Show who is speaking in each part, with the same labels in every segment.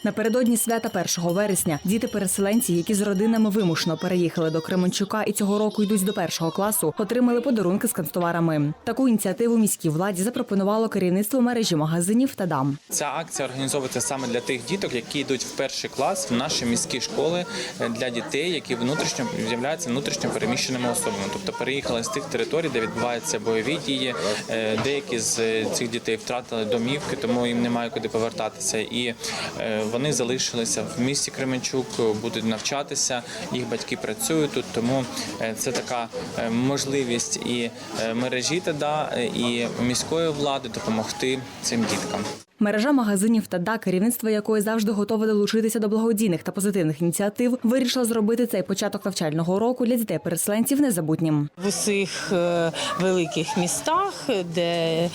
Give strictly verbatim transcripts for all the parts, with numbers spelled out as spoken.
Speaker 1: Напередодні свята першого вересня діти-переселенці, які з родинами вимушено переїхали до Кременчука і цього року йдуть до першого класу, отримали подарунки з канцтоварами. Таку ініціативу міській владі запропонувало керівництво мережі магазинів «Тадам».
Speaker 2: Ця акція організовується саме для тих діток, які йдуть в перший клас в наші міські школи, для дітей, які внутрішньо являються внутрішньо переміщеними особами. Тобто переїхали з тих територій, де відбуваються бойові дії. Деякі з цих дітей втратили домівки, тому їм немає куди повертатися. І вони залишилися в місті Кременчук, будуть навчатися, їх батьки працюють тут, тому це така можливість і мережі ТАДА, і міської влади допомогти цим діткам.
Speaker 1: Мережа магазинів «Тада», керівництво якої завжди готове долучитися до благодійних та позитивних ініціатив, вирішила зробити цей початок навчального року для дітей-переселенців незабутнім.
Speaker 3: В усіх великих містах, де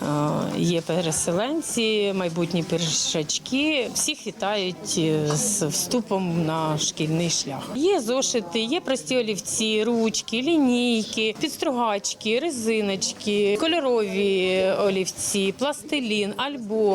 Speaker 3: є переселенці, майбутні першачки, всіх вітають з вступом на шкільний шлях. Є зошити, є прості олівці, ручки, лінійки, підстругачки, резиночки, кольорові олівці, пластилін, альбом.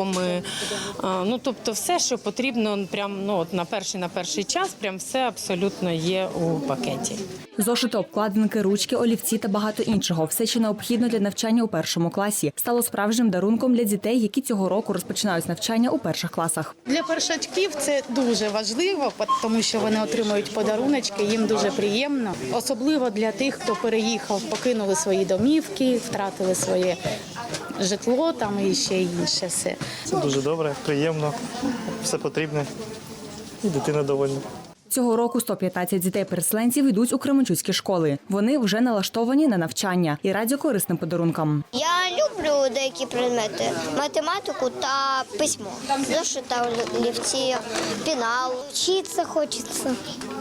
Speaker 3: Ну, тобто все, що потрібно прям, ну, от на перший на перший час, прям все абсолютно є у пакеті.
Speaker 1: Зошити, обкладинки, ручки, олівці та багато іншого – все, що необхідно для навчання у першому класі, стало справжнім дарунком для дітей, які цього року розпочинають навчання у перших класах.
Speaker 4: Для першачків це дуже важливо, тому що вони отримують подаруночки, їм дуже приємно. Особливо для тих, хто переїхав, покинули свої домівки, втратили своє житло там і ще інше все.
Speaker 5: Це дуже добре, приємно, все потрібне і дитина довольна.
Speaker 1: Цього року сто п'ятнадцять дітей-переселенців йдуть у кременчуцькі школи. Вони вже налаштовані на навчання і раді корисним подарункам.
Speaker 6: Я люблю деякі предмети – математику та письмо. Зошита, олівці, пенал. Вчитися хочеться.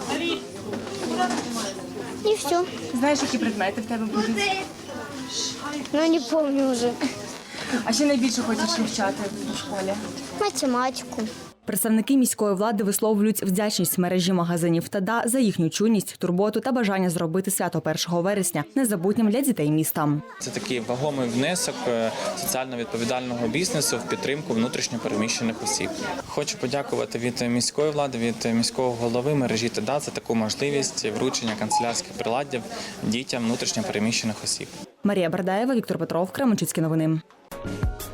Speaker 6: І все.
Speaker 1: Знаєш, які предмети в тебе будуть?
Speaker 6: Ну, не пам'ятаю вже.
Speaker 1: А що найбільше хочеш вивчати у школі?
Speaker 6: Математику.
Speaker 1: Представники міської влади висловлюють вдячність мережі магазинів «Тада» за їхню чуйність, турботу та бажання зробити свято першого вересня незабутнім для дітей міста.
Speaker 2: Це такий вагомий внесок соціально відповідального бізнесу в підтримку внутрішньо переміщених осіб. Хочу подякувати від міської влади, від міського голови мережі «Тада» за таку можливість вручення канцелярських приладдів дітям внутрішньо переміщених осіб.
Speaker 1: Марія Бардаєва, Віктор Петров, Кременчуцькі новини.